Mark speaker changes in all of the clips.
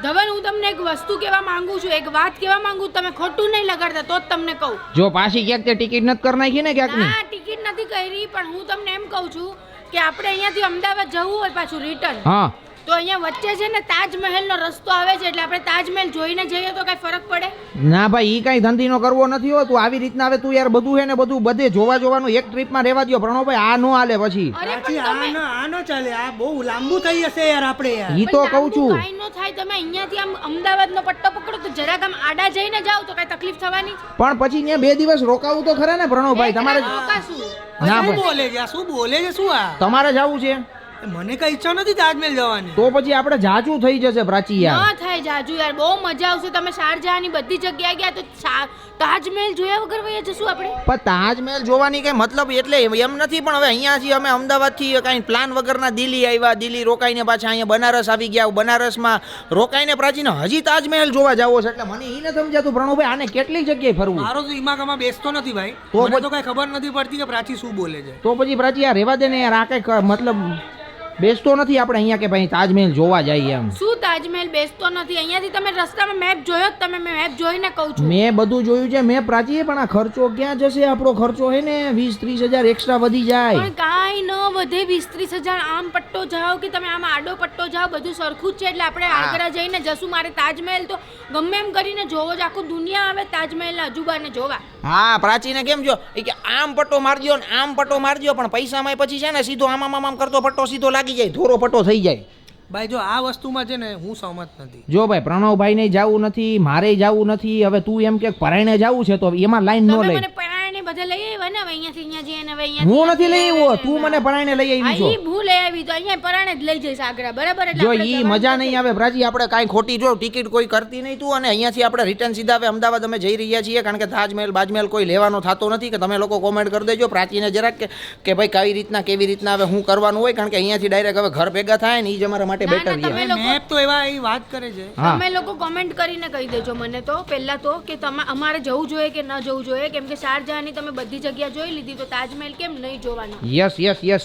Speaker 1: ધવલ હું તમને એક વસ્તુ કહેવા માંગુ છું, એક વાત કહેવા માંગુ, તમે ખોટું નહીં લગાડતા તો જ તમને કહું.
Speaker 2: જો પાછી ક્યાંક તે ટિકિટ નથી કરી નાખી ને ક્યાંક
Speaker 1: ના ટિકિટ નથી કરી, પણ હું તમને એમ કહું છું કે આપણે અહીંયાથી અમદાવાદ જવું હોય પાછું રિટર્ન,
Speaker 2: હા
Speaker 1: તો અહીંયા વચ્ચે છે ને તાજમહેલનો રસ્તો આવે છે, એટલે આપણે તાજમહેલ જોઈને જઈએ તો કઈ ફરક પડે?
Speaker 2: ના ભાઈ ઈ કઈ ધંધીનો કરવો નથી હો. તું આવી રીતના હવે તું યાર બધું હે ને બધું બધે જોવા જોવાનું એક ટ્રીપમાં રહેવા દો પ્રણવભાઈ, આ નો હાલે પછી.
Speaker 1: અરે
Speaker 3: સાચી,
Speaker 1: પણ તમે
Speaker 3: આ ન ચાલે, આ બહુ લાંબુ થઈ જશે યાર આપણે યાર.
Speaker 2: ઈ તો કહું છું.
Speaker 1: કાઈ નો થાય, તમે અહીંયાથી આમ અમદાવાદનો પટ્ટો પકડો તો જરાક આમ આડા જઈને જાવ તો કઈ તકલીફ થવાની?
Speaker 2: પણ પછી ત્યાં 2 દિવસ રોકાવું તો ખરા ને પ્રણવભાઈ તમારે.
Speaker 1: રોકાશું.
Speaker 2: ના
Speaker 3: શું
Speaker 2: ભાઈ
Speaker 3: બોલે છે આ? શું બોલે છે શું આ?
Speaker 2: તમારે જવું છે
Speaker 3: મને કઈ ઈચ્છા નથી તાજમહેલ જવાની.
Speaker 2: તો પછી આપણે જાજુ થઈ જશે પ્રાચી યાર.
Speaker 1: ન થાય જાજુ યાર, બહુ મજા આવશે. તમે શારજહાની બધી જગ્યાએ ગયા તો તાજમહેલ જોયા વગર વયા જશું આપણે?
Speaker 2: પણ તાજમહેલ જોવાની કઈ મતલબ એટલે એમ નથી, પણ હવે અહીંયાથી અમે અમદાવાદથી કઈ પ્લાન વગરના દિલ્હી આવ્યા, દિલ્હી રોકાઈને પાછા અહીંયા બનારસ આવી ગયા, બનારસમાં રોકાઈને પ્રાચીને હજી તાજમહેલ જોવા જાવો છે, એટલે મને ઈ ન સમજાતું પ્રણવભાઈ આને કેટલી જગ્યાએ ફરવું.
Speaker 3: મારો તો દિમાગમાં બેસતો નથી ભાઈ,
Speaker 2: તો
Speaker 3: મને તો કઈ ખબર નથી પડતી કે પ્રાચી શું બોલે છે.
Speaker 2: તો પછી પ્રાચી યાર રહેવા દે ને યાર, આ કઈ મતલબ બેસતો નથી આપણે અહીંયા કે ભાઈ તાજમહેલ જોવા જઈએ એમ.
Speaker 1: શું તાજમહેલ બેસતો નથી? અહીંયાથી તમે રસ્તામાં મેપ જોયો જ? તમે મેપ જોઈને કહું છું.
Speaker 2: મેં બધું જોયું છે મેં પ્રાચી, પણ આ ખર્ચો ક્યાં જશે? આપણો ખર્ચો હે ને 20-30 હજાર એક્સ્ટ્રા વધી જાય.
Speaker 1: પણ કાંઈ ન વધે. 20-30 હજાર આમ પટ્ટો જાઓ કે તમે આમ આડો પટ્ટો જાઓ, બધું સરખું જ છે. એટલે આપણે આગ્રા જઈને જશું. મારે તાજમહેલ તો ગમે એમ કરીને જોવો જ, આખું દુનિયા આવે તાજમહેલના અજુબાને જોવા.
Speaker 2: હા પ્રાચીને કેમ જો કે આમ પટ્ટો મારજો ને આમ પટ્ટો મારજો, પણ પૈસામાં પછી છે ને સીધો આમ કરતો પટ્ટો સીધો લાગી જાય, ધોરો પટ્ટો થઈ જાય.
Speaker 3: ભાઈ જો આ વસ્તુમાં છે ને હું સહમત નથી.
Speaker 2: જો ભાઈ પ્રણવભાઈ ને જવું નથી, મારે જવું નથી. હવે તું એમ કે પરાયણે જવું છે તો એમાં લાઈન નો
Speaker 1: તમે
Speaker 2: લઈ.
Speaker 1: મને પરાણે બધે લઈ આવ્યા ને, હવે અહીંયાથી અહીંયા જઈએ ને હવે અહીંયા
Speaker 2: હું નથી લઈ આવ્યો, તું મને પરાયણે લઈ આવી છો.
Speaker 1: ઈ ભૂલ લઈ આવી તો અહીંયા પરાણે જ લઈ જઈશ આગ્રા, બરાબર? એટલે
Speaker 2: જો
Speaker 1: આપણે
Speaker 2: ઈ
Speaker 1: જવાનું
Speaker 2: મજા
Speaker 1: નથી.
Speaker 2: નહીં આવે પ્રાચી, આપણે કાંઈ ખોટી જો ટિકિટ કોઈ કરતી નહીં તું, અને અહીંયાથી આપણે રિટર્ન સીધા હવે અમદાવાદ અમે જઈ રહ્યા છીએ, કારણ કે તાજમહેલ બાજમહેલ કોઈ લેવાનો થતો નથી. કે તમે લોકો કોમેન્ટ કરી દેજો પ્રાચીને જરાક કે ભાઈ કેવી રીતના હવે હું કરવાનું હોય, કારણ કે અહીંયાથી ડાયરેક્ટ હવે ઘર ભેગા થાય ને એ જ અમારા માટે
Speaker 1: ના,
Speaker 2: બેટર
Speaker 1: ના, તમે
Speaker 2: રહે.
Speaker 1: લોકો-
Speaker 3: મેપ તો એવા એ વાત કરે છે.
Speaker 2: હા
Speaker 1: તમે લોકો કોમેન્ટ કરીને કહી દેજો મને તો પહેલા તો કે અમારે જવું જોઈએ કે ન જવું જોઈએ, કેમ કે શારજહાની તમે બધી જગ્યા જોઈ લીધી તો તાજમહેલ કેમ નહીં જોવાનો?
Speaker 2: યસ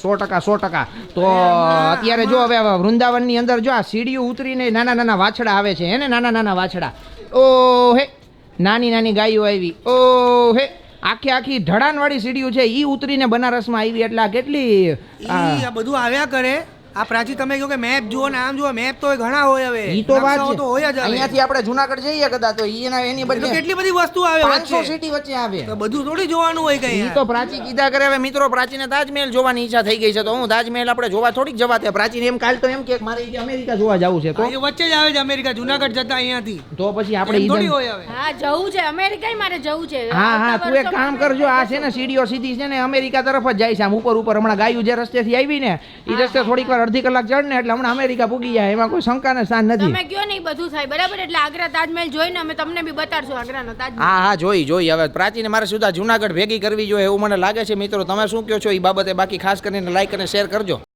Speaker 2: 100%. તો અત્યારે જો હવે વૃંદાવનની અંદર જો આ સીડીઓ ઉતરીને નાના વાછડા આવે છે હે ને, નાના વાછડા. ઓ હે નાની ગાયો આવી. ઓ હે આખી ઢળાનવાળી સીડીઓ છે, ઈ ઉતરીને બનારસમાં આવી. એટલે આ કેટલી
Speaker 3: આ બધું આવ્યા કરે. આ પ્રાચી તમે કહો કે મેપ જુઓ ને આમ જુઓ, મેપ તો ઘણા હોય હવે.
Speaker 2: ઈ તો વાત
Speaker 3: નકશાઓ
Speaker 2: છે.
Speaker 3: તો હોય જ હવે.
Speaker 2: અહીંયાથી આપણે જુનાગઢ જઈએ કદાચ તો એની
Speaker 3: તો
Speaker 2: બદલે
Speaker 3: કેટલી બધી વસ્તુ આવે
Speaker 2: 500
Speaker 3: વચ્ચે.
Speaker 2: સિટી વચ્ચે આવે.
Speaker 3: તો બધું થોડી જોવાનું હોય કઈ
Speaker 2: ઈ તો પ્રાચી કીધા કરે. હવે મિત્રો પ્રાચીને તાજમહેલ જોવાની ઈચ્છા થઈ ગઈ છે, તો હું તાજમહેલ આપણે જોવા થોડીક જવા તે પ્રાચીને એમ કાલ તો એમ કે મારે ઈ કે અમેરિકા જોવા જવું છે, તો
Speaker 3: એ વચ્ચે જ આવે છે અમેરિકા, જુનાગઢ જતા અહીંયાથી.
Speaker 2: તો પછી આપણે
Speaker 3: એમ થોડી
Speaker 2: ઈ
Speaker 3: હોય હવે.
Speaker 1: હા જવું છે અમેરિકા, મારે જવું છે.
Speaker 2: હા તું એક કામ કરજો, આ છે ને સીડીઓ સીધી છે ને અમેરિકા તરફ જ જાય છે, આમ ઉપર હમણાં ગાયું જે રસ્તેથી આવી ને એ રસ્તે થોડીક વાર અડધી કલાક ચડ ને એટલે હમણાં અમેરિકા પૂગી જાય, એમાં કોઈ શંકાને સ્થાન નથી.
Speaker 1: તમે કયો નહીં બધું થાય, બરાબર? એટલે આગ્રા તાજમહેલ જોઈને અમે તમને બી બતાડશું આગ્રાનો તાજમહેલ.
Speaker 2: હા જોઈ હવે પ્રાચીને મારે સુધા જુનાગઢ ભેગી કરવી જોઈએ એવું મને લાગે છે. મિત્રો તમે શું કહો છો એ બાબતે? બાકી ખાસ કરીને લાઈક અને શેર કરજો.